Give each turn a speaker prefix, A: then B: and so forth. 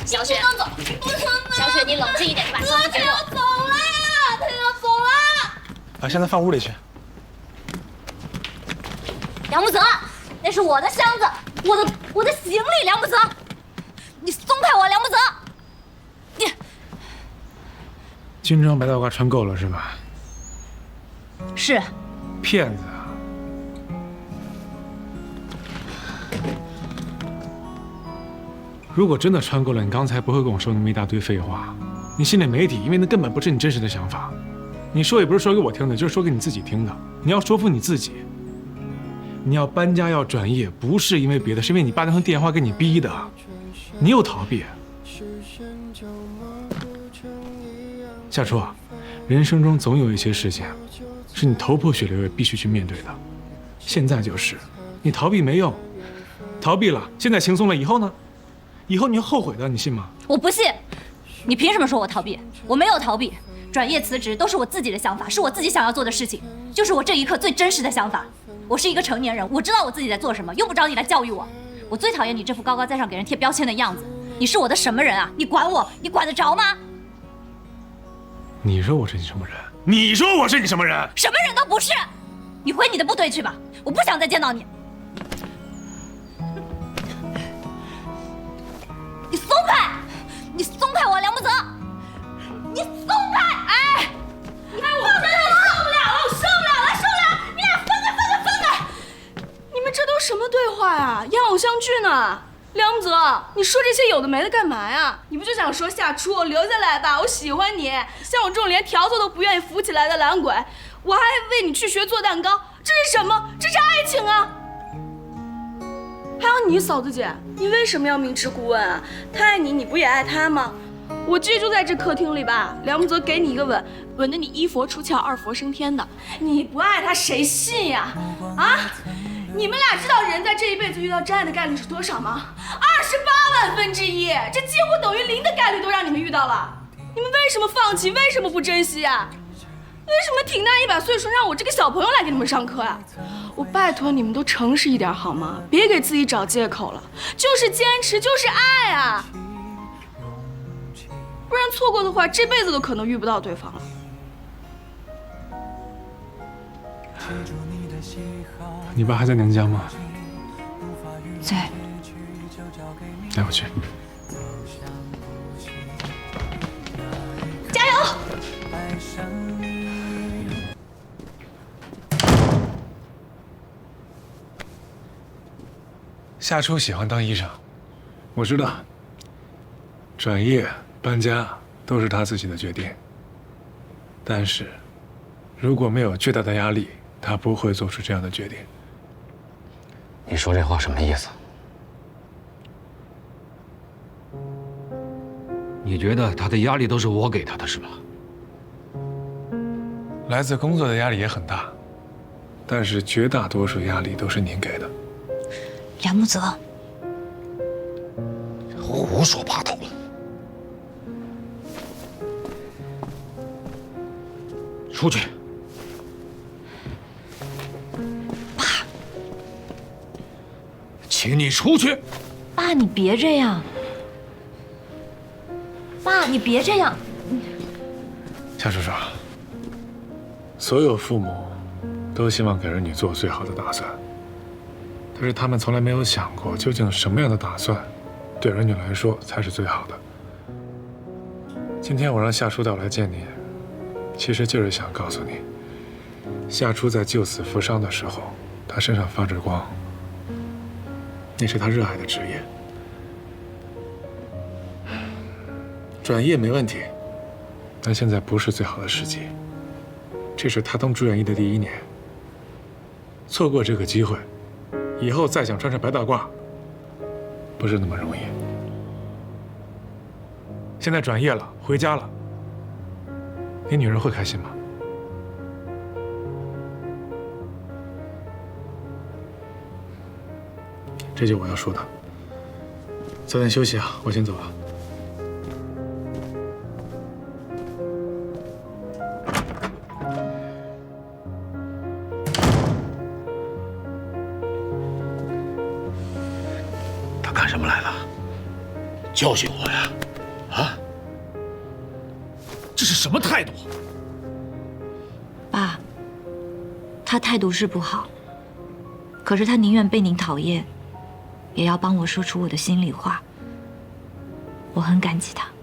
A: 小雪，
B: 不能走，不能走。
A: 小雪，你冷静一点，你把箱子给我。
B: 他要走了，他要走了。
C: 把箱子放屋里去。
A: 梁木泽，那是我的箱子，我的行李，梁木泽，你松开我，梁木泽。你
C: 军装白大褂穿够了是吧？
A: 是
C: 骗子啊！如果真的穿够了，你刚才不会跟我说那么一大堆废话。你心里没底，因为那根本不是你真实的想法。你说也不是说给我听的，就是说给你自己听的。你要说服你自己。你要搬家要转业，不是因为别的，是因为你爸那通电话给你逼的。你又逃避。夏初，人生中总有一些事情，是你头破血流也必须去面对的。现在就是，你逃避没用，逃避了，现在轻松了，以后呢？以后你会后悔的，你信吗？
A: 我不信，你凭什么说我逃避？我没有逃避，转业辞职都是我自己的想法，是我自己想要做的事情，就是我这一刻最真实的想法。我是一个成年人，我知道我自己在做什么，用不着你来教育我。我最讨厌你这副高高在上给人贴标签的样子。你是我的什么人啊？你管我？你管得着吗？
C: 你说我是你什么人？你说我是你什么人？
A: 什么人都不是。你回你的部队去吧，我不想再见到你。你松开！你松开我，梁木泽！你松开！哎！我真的受不了了，我受不了了，受不了！你俩分开，分开，分开！
B: 你们这都什么对话呀？演偶像剧呢？梁木泽，你说这些有的没的干嘛呀？你不就想说夏初留下来吧，我喜欢你。像我这种连条子都不愿意扶起来的懒鬼，我还为你去学做蛋糕，这是什么？这是爱情啊！还有你嫂子姐，你为什么要明知故问啊？他爱你，你不也爱他吗？我记得就在这客厅里吧，梁木泽给你一个吻，吻得你一佛出窍，二佛升天的。你不爱他谁信呀？啊？你们俩知道人在这一辈子遇到真爱的概率是多少吗？28万分之1，这几乎等于0的概率都让你们遇到了。你们为什么放弃？为什么不珍惜呀？为什么挺大100岁数让我这个小朋友来给你们上课呀？我拜托你们都诚实一点好吗？别给自己找借口了，就是坚持，就是爱啊！不然错过的话，这辈子都可能遇不到对方了。
C: 你爸还在娘家吗？
A: 在。
C: 带我去。
A: 加油！
C: 夏初喜欢当医生，我知道。转业、搬家都是他自己的决定。但是，如果没有巨大的压力，他不会做出这样的决定。
D: 你说这话什么意思？你觉得他的压力都是我给他的，是吧？
C: 来自工作的压力也很大，但是绝大多数压力都是您给的。
A: 梁木泽，
D: 胡说八道！出去！
A: 爸，
D: 请你出去！
A: 爸，你别这样。爸，你别这样。
C: 夏叔叔，所有父母都希望给儿女做最好的打算，但是他们从来没有想过，究竟什么样的打算对儿女来说才是最好的。今天我让夏初带我来见你，其实就是想告诉你，夏初在救死扶伤的时候，他身上发着光，那是他热爱的职业。转业没问题，但现在不是最好的时机。这是他当住院医的第1年，错过这个机会，以后再想穿上白大褂，不是那么容易。现在转业了，回家了，你女人会开心吗？这就我要说的。早点休息啊，我先走了。
D: 他干什么来了？ 教训我呀？啊？这是什么态度？
A: 爸，他态度是不好，可是他宁愿被您讨厌，也要帮我说出我的心里话。我很感激他。